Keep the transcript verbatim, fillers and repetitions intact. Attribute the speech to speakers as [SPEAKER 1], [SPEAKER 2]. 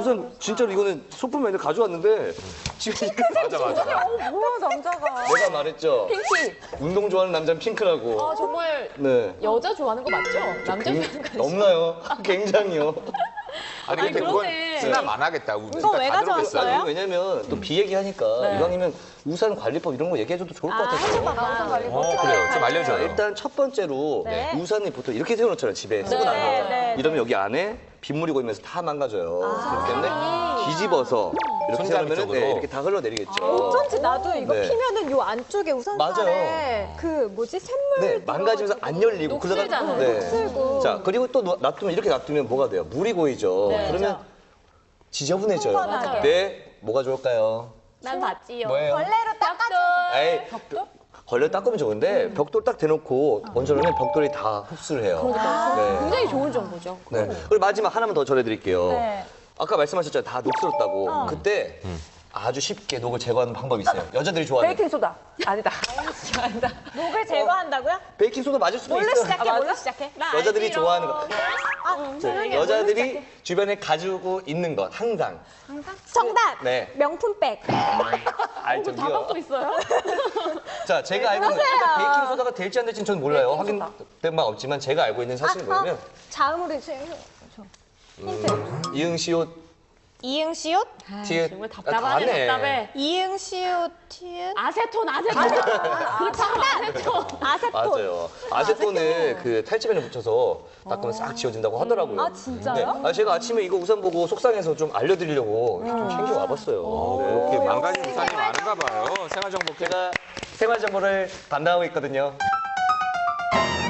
[SPEAKER 1] 우선 진짜로 이거는 소품이 아니라 가져왔는데 지금
[SPEAKER 2] 맞아 맞아.
[SPEAKER 3] 어, 뭐야 남자가.
[SPEAKER 1] 내가 말했죠.
[SPEAKER 4] 핑키.
[SPEAKER 1] 운동 좋아하는 남자는 핑크라고.
[SPEAKER 4] 아 정말
[SPEAKER 1] 네.
[SPEAKER 4] 여자 좋아하는 거 맞죠? 남자
[SPEAKER 1] 굉-
[SPEAKER 4] 좋아하는 거
[SPEAKER 1] 넘나요? 굉장히요.
[SPEAKER 2] 아니 근데 그건
[SPEAKER 4] 그러네.
[SPEAKER 2] 수납 안 하겠다. 우리
[SPEAKER 3] 이거 왜
[SPEAKER 2] 다 들어오겠어요.
[SPEAKER 3] 가져왔어요?
[SPEAKER 1] 아니, 왜냐면 또 비 얘기하니까
[SPEAKER 4] 네.
[SPEAKER 1] 이왕이면 우산 관리법 이런 거 얘기해줘도 좋을 것 같아서.
[SPEAKER 3] 우선 관리법.
[SPEAKER 2] 어 그래요. 좀
[SPEAKER 1] 자,
[SPEAKER 2] 알려줘요.
[SPEAKER 1] 일단 첫 번째로
[SPEAKER 3] 네.
[SPEAKER 1] 우산이 보통 이렇게 세워놓잖아요, 집에. 쓰고
[SPEAKER 4] 네,
[SPEAKER 1] 나면.
[SPEAKER 3] 네.
[SPEAKER 1] 이러면 여기 안에 빗물이 고이면서 다 망가져요. 그렇기 때문에 뒤집어서 이렇게
[SPEAKER 2] 손잡이
[SPEAKER 1] 세우면
[SPEAKER 2] 쪽으로.
[SPEAKER 1] 네, 이렇게 다 흘러내리겠죠.
[SPEAKER 3] 어쩐지 나도 이거
[SPEAKER 1] 네.
[SPEAKER 3] 피면은 요 안쪽에 우산살에 그 뭐지 샘물
[SPEAKER 1] 네, 망가지면서 안 열리고.
[SPEAKER 4] 녹슬잖아요.
[SPEAKER 1] 네.
[SPEAKER 3] 녹슬고.
[SPEAKER 1] 자, 그리고 또 놔- 놔두면 이렇게 놔두면 뭐가 돼요? 물이 고이죠.
[SPEAKER 4] 네.
[SPEAKER 1] 그러면 지저분해져요.
[SPEAKER 3] 맞아요.
[SPEAKER 1] 네, 뭐가 좋을까요?
[SPEAKER 4] 난 봤지요.
[SPEAKER 1] 뭐예요?
[SPEAKER 3] 걸레로 닦아줘.
[SPEAKER 1] 에이, 걸레 닦으면 좋은데 벽돌 딱 대놓고 얹어놓으면 벽돌이 다 흡수를 해요. 네.
[SPEAKER 4] 굉장히 좋은 정보죠.
[SPEAKER 1] 네. 그리고 마지막 하나만 더 전해드릴게요.
[SPEAKER 3] 네.
[SPEAKER 1] 아까 말씀하셨잖아요. 다 녹슬었다고. 그때 아주 쉽게 녹을 제거하는 방법이 있어요. 여자들이 좋아하는.
[SPEAKER 3] 베이킹 소다. 아니다. 아니다. 녹을 제거한다고요?
[SPEAKER 1] 베이킹 소다 맞을 수도
[SPEAKER 3] 뭘로
[SPEAKER 1] 있어요.
[SPEAKER 3] 시작해? 뭘로 시작해?
[SPEAKER 1] 여자들이 좋아하는 거.
[SPEAKER 3] 아, 조용히 해.
[SPEAKER 1] 여자들이 주변에 가지고 있는 것 항상.
[SPEAKER 3] 정답.
[SPEAKER 1] 네.
[SPEAKER 3] 명품백.
[SPEAKER 1] 알 저기요.
[SPEAKER 4] 또 있어요?
[SPEAKER 1] 자, 제가 알고 있는
[SPEAKER 3] 그러세요.
[SPEAKER 1] 베이킹 소다가 될지 안 될지는 저는 몰라요. 확인된 바 없지만 제가 알고 있는 사실은 뭐냐면
[SPEAKER 3] 자음으로 주- 힌트.
[SPEAKER 1] 이응 시옷
[SPEAKER 3] 이응 시옷?
[SPEAKER 1] 티읕
[SPEAKER 4] 정말
[SPEAKER 1] 아,
[SPEAKER 4] 답답하네,
[SPEAKER 1] 다네.
[SPEAKER 4] 답답해.
[SPEAKER 3] 이응 시옷 티읕?
[SPEAKER 4] 아세톤, 아세톤. 그렇죠, 아세톤.
[SPEAKER 3] 아세톤.
[SPEAKER 1] 맞아요. 아세톤을 그 탈취면에 묻혀서 닦으면 싹 지워진다고 하더라고요.
[SPEAKER 3] 아, 진짜요?
[SPEAKER 1] 아, 제가 아침에 이거 우산 보고 속상해서 좀 알려드리려고 좀 챙겨 와봤어요. 네.
[SPEAKER 2] 이렇게 망가진 우산이 많은가 봐요. 생활정보
[SPEAKER 1] 제가 생활 정보를 담당하고 있거든요.